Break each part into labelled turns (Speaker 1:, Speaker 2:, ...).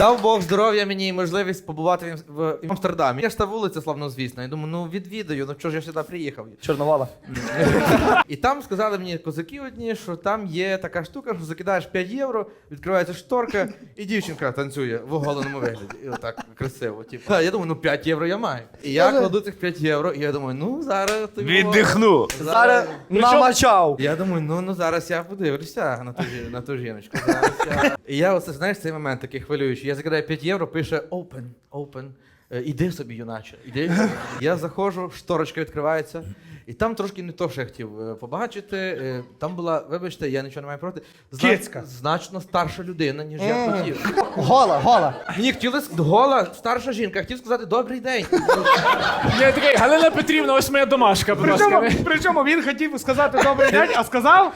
Speaker 1: Дав Бог здоров'я мені і можливість побувати в Амстердамі. Я ж та вулиця славнозвісна. Я думаю, ну відвідаю, ну чого ж я сюди приїхав?
Speaker 2: Чорновола.
Speaker 1: І там сказали мені козаки одні, що там є така штука, що закидаєш 5 євро, відкривається шторка, і дівчинка танцює в оголеному вигляді. І отак красиво. Типу. Я думаю, ну 5 євро я маю. І я кладу цих 5 євро, і я думаю, ну зараз ти.
Speaker 3: Віддихну.
Speaker 2: Зараз намачав.
Speaker 1: Я думаю, ну зараз я подивлюся на ту жіночку. Зараз я... І я оце, знаєш, цей момент такий хвилюючий. Я закидаю 5 євро, пише open. Іди собі, юначе, іди. Я заходжу, шторочка відкривається, і там трошки не то, що я хотів побачити. Там була, вибачте, я нічого не маю проти, значно старша людина, ніж я хотів.
Speaker 2: Гола.
Speaker 1: Мені хотіли гола, старша жінка, хотів сказати добрий день.
Speaker 4: Я такий, Галина Петрівна, ось моя домашка, будь ласка.
Speaker 5: Причому він хотів сказати добрий день, а сказав?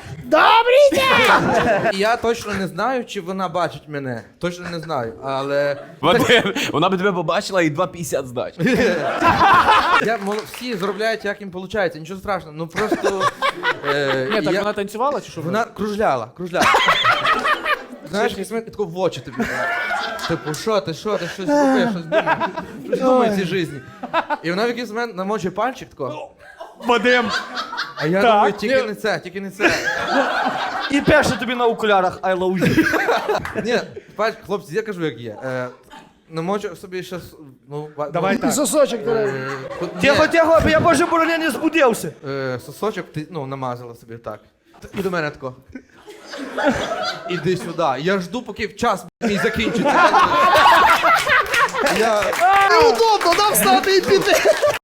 Speaker 1: І я точно не знаю, чи вона бачить мене. Точно не знаю, але...
Speaker 3: Вона би тебе побачила і 2,50 здач.
Speaker 1: Всі заробляють, як їм виходить, нічого страшного, ну просто...
Speaker 4: Ні, так вона танцювала чи що?
Speaker 1: Вона кружляла. Знаєш, якийсь момент тако в очі тобі. Типу, що ти, щось купиш, щось думаєш, щось думає в цій житті. І вона в якийсь момент намочує пальчик тако.
Speaker 5: Вадим.
Speaker 1: А я думаю, тільки не це.
Speaker 2: І перше тобі на окулярах I love you.
Speaker 1: Ні, пальчик, хлопці, я кажу, як є. Намочу собі ще, ну...
Speaker 5: Давай так.
Speaker 2: Сосочок.
Speaker 1: Ні,
Speaker 2: Тихо, я боже бороня не збудився.
Speaker 1: сосочок ти, намазала собі так. І до мене тако. Іди сюди. Я жду, поки час мій закінчиться.
Speaker 2: Неудобно, нам встати і піти.